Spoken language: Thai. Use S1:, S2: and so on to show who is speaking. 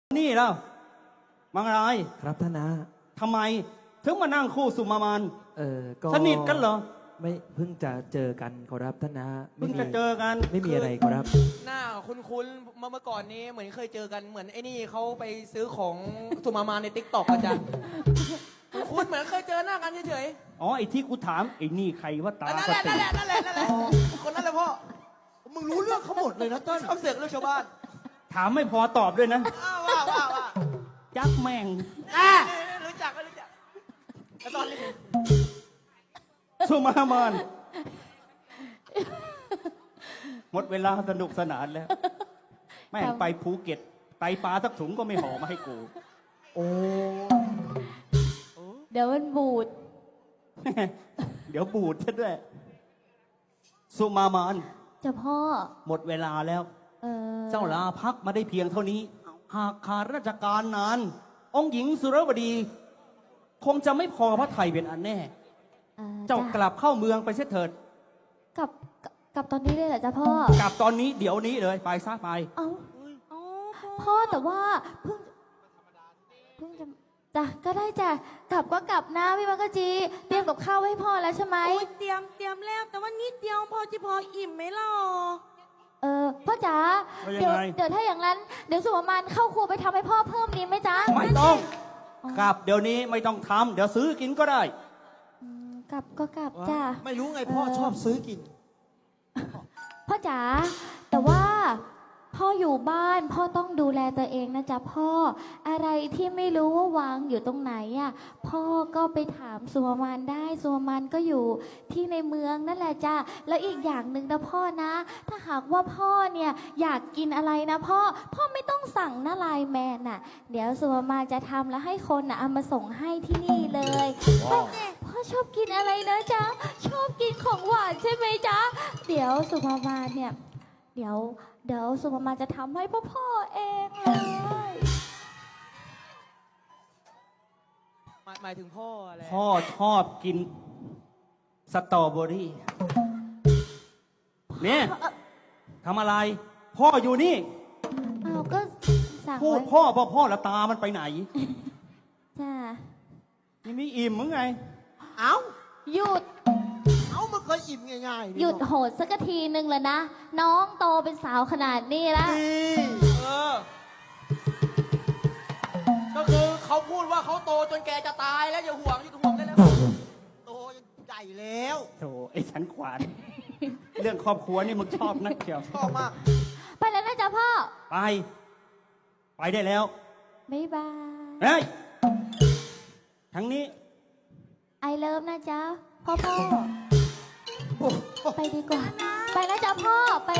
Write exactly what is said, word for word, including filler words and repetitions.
S1: นี่แล้วมังราย
S2: ครับท่านนะ
S1: ทำไมถึงมานั่งคู่สุมามาน
S2: เออก็
S1: สนิทกันเหรอ
S2: ไม่เพิ่งจะเจอกันขอรับท่านนะ
S1: เพิ่งจะเจอกัน
S2: ไม่มีอะไรขอรับ
S3: หน้าคุ้นๆเมื่อเมื่อก่อนนี้เหมือนเคยเจอกันเหมือนไอ้นี่เขาไปซื้อของสุมามาในติ๊กต็อกอาจารย์คุ้นเหมือนเคยเจอหน้ากันเฉย
S1: อ๋อไอ้ที่กูถามไอ้นี่ใครว่า
S3: ๆ
S1: ตา
S3: นั่น
S1: ก
S3: แห
S1: ระ
S3: ละ
S1: ติ
S3: นั่นแหละนั่นแหละนั่นแหละคนนั้นแหละพ่อมึงรู้เรื่องเขาหมดเลยนะต้นชอบเสือกเรื่องชาวบ้าน
S1: ถามไม่พอตอบด้วยนะ
S3: ว่าว่าว่า
S1: จักแม่ง
S3: รู้จักก็รู้จักแล้วตอนนี้
S1: สุมามานหมดเวลาสนุกสนานแล้วแม่งไปภูเก็ตไตปลาสักถุงก็ไม่ห่อมาให้กู
S3: โอ้
S4: เดี๋ยวมันบูด
S1: เดี๋ยวบูดซะด้วยสุมามาน
S4: จะพ่อ
S1: หมดเวลาแล้ว
S4: เออ
S1: เจ้าลาพักมาได้เพียงเท่านี้หากขาดราชการนานองค์หญิงสุรวดี คงจะไม่พอพระไทยเป็นอันแน่ เจ้ากลับเข้าเมืองไปเสียเถิด
S4: กลับกลับตอนนี้เลยเหรอจ๊ะพ่อก
S1: ลับตอนนี้เดี๋ยวนี้เลยไปซะไป
S4: เอ้าพ่อแต่ว่าเพิ่งเพิ่งจะจ้ะก็ได้จ้ะกลับก็กลับนะพี่มังกจีเตรียมกับข้าวให้พ่อแล้วใช่ไหม
S5: เตรียมเตรียมแล้วแต่ว่านิดเดียวพอจะพออิ่มไหมล่ะ
S4: เออพ่อจ๋าเดี๋ยวเดี๋ยวถ้าอย่างนั้นเดี๋ยวสุวรรณเข้าครัวไปทำให้พ่อเพิ่มดีไหมจ๊ะ
S1: ไม่ต้องกลับเดี๋ยวนี้ไม่ต้องทำเดี๋ยวซื้อกินก็ได้
S4: กลับก็กลับจ้ะ
S3: ไม่รู้ไงพ่อชอบซื้อกิน
S4: พ่อจ๋าแต่ว่าพ่ออยู่บ้านพ่อต้องดูแลตัวเองนะจ๊ะพ่ออะไรที่ไม่รู้ว่าวางอยู่ตรงไหนอ่ะพ่อก็ไปถามสุวรรณได้สุวรรณก็อยู่ที่ในเมืองนั่นแหละจ้ะแล้วอีกอย่างหนึ่งนะพ่อนะถ้าหากว่าพ่อเนี่ยอยากกินอะไรนะพ่อพ่อไม่ต้องสั่งนะไลน์แมนน่ะเดี๋ยวสุวรรณจะทำแล้วให้คนน่ะเอามาส่งให้ที่นี่เลยพ่อพ่อชอบกินอะไรนะจ๊ะชอบกินของหวานใช่ไหมจ๊ะเดี๋ยวสุวรรณเนี่ยเดี๋ยวเดี๋ยวสุมามาจะทำให้พ่อพ่อเองเลย
S3: หมายหมายถึงพ่ออะไร
S1: พ่อชอบกินสตรอเบอรี่เนี่ยทำอะไรพ่ออยู่นี่
S4: อ้าวก็สั่ง
S1: พูดพ่อพ่อพ่อแล้วตามันไปไหน
S4: จ้า
S1: นี่มีอิ่มมึงไง
S3: เอ้า
S4: หยุด
S3: เอ้ามันเคยอิ่มง่าย
S4: ๆหยุดโหดสักทีนึงเลยนะน้องโตเป็นสาวขนาดนี้แล้ว
S3: เออก็คือเขาพูดว่าเขาโตจนแกจะตายแล้วอย่าห่วงอย่าห่วงได้แล้วโตใหญ่แล้ว
S1: โธ่ไอ้ฉันขวานเรื่องครอบครัวนี่มึงชอบนักเชียว
S3: ชอบมาก
S4: ไปแล้วนะจ๊ะพ่อ
S1: ไปไปได้แล้ว
S4: บ๊ายบาย
S1: เฮ้ยทั้งนี้
S4: ไอเลิฟนะจ๊ะพ่อพ่อไปดีกว่าไปนะจ๊ะพ่อไป